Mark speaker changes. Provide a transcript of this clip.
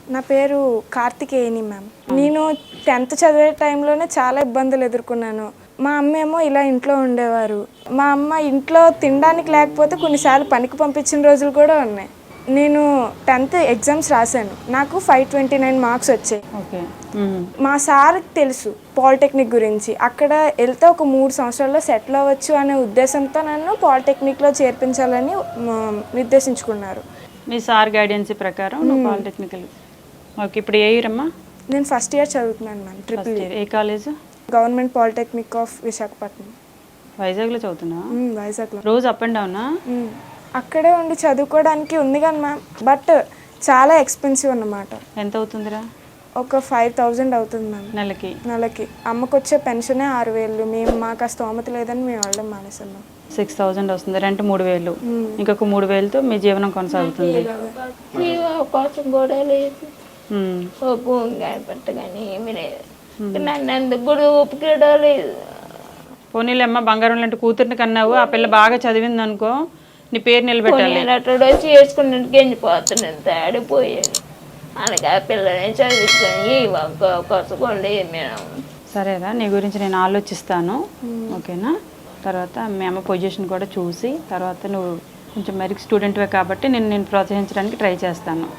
Speaker 1: నా పేరు కార్తికేయని మ్యామ్. నేను 10th చదివే టైంలోనే చాలా ఇబ్బందులు ఎదుర్కొన్నాను. మా అమ్మేమో ఇలా ఇంట్లో ఉండేవారు. మా అమ్మ ఇంట్లో తినడానికి లేకపోతే కొన్నిసార్లు పనికి పంపించిన రోజులు కూడా ఉన్నాయి. నేను 10th ఎగ్జామ్స్ రాశాను. నాకు 529 మార్క్స్ వచ్చాయి.
Speaker 2: ఓకే.
Speaker 1: మా సార్కి తెలుసు పాలిటెక్నిక్ గురించి. అక్కడ వెళ్తే ఒక 3 సంవత్సరాల్లో సెటిల్ అవ్వచ్చు అనే ఉద్దేశంతో నన్ను పాలిటెక్నిక్లో చేర్పించాలని నిర్దేశించుకున్నారు.
Speaker 2: మీ సార్ గైడెన్స్ ప్రకారం నువ్వు పాలిటెక్నికల్. ఓకే. ఇప్పుడు ఏ ఇయర్ అమ్మా?
Speaker 1: నేను ఫస్ట్ ఇయర్ చదువుతున్నాను మ్యామ్. Triple
Speaker 2: year. ఏ college?
Speaker 1: Government polytechnic of Visakhapatnam.
Speaker 2: వైజాగ్లో చదువుతున్నా?
Speaker 1: వైజాగ్లో.
Speaker 2: రోజు అప్ అండ్ డౌనా?
Speaker 1: అక్కడే ఉండి చదువుకోవడానికి ఉంది కానీ మ్యామ్, బట్ చాలా ఎక్స్పెన్సివ్ అన్నమాట.
Speaker 2: ఎంత అవుతుందిరా?
Speaker 1: ఒక 5,000 అవుతుంది మ్యామ్ నెలకి. అమ్మకు వచ్చే పెన్షనే 6,000. మాకు ఆ స్తోమత లేదని మేము వెళ్ళడం మానేసాం మ్యామ్.
Speaker 2: 6,000 వస్తుంది. రెంట్ 3,000. ఇంకొక 3,000తో మీ జీవనం కొనసాగుతుంది.
Speaker 3: అవకాశం కూడా లేదు. భూమి కనపట్టగానే ఏమి లేదు. నన్ను ఎందుకు కూడా ఒప్పుకోవడం లేదు.
Speaker 2: పోనీలేమ్మ, బంగారం లాంటి కూతుర్ని కన్నావు. ఆ పిల్ల బాగా చదివింది అనుకో, నీ పేరు నిలబెట్టాలి.
Speaker 3: అట్లా చేసుకుని గెంజిపోతున్నాను, తాడిపోయాను. అలాగే ఆ పిల్లని చదివించుకొని అవకాశం కూడా లేదు మేడం.
Speaker 2: సరేరా, నీ గురించి నేను ఆలోచిస్తాను. ఓకేనా? తర్వాత మీ అమ్మ పొజిషన్ కూడా చూసి తర్వాత నువ్వు కొంచెం మెరిట్ స్టూడెంట్వే కాబట్టి నేను ప్రోత్సహించడానికి ట్రై చేస్తాను.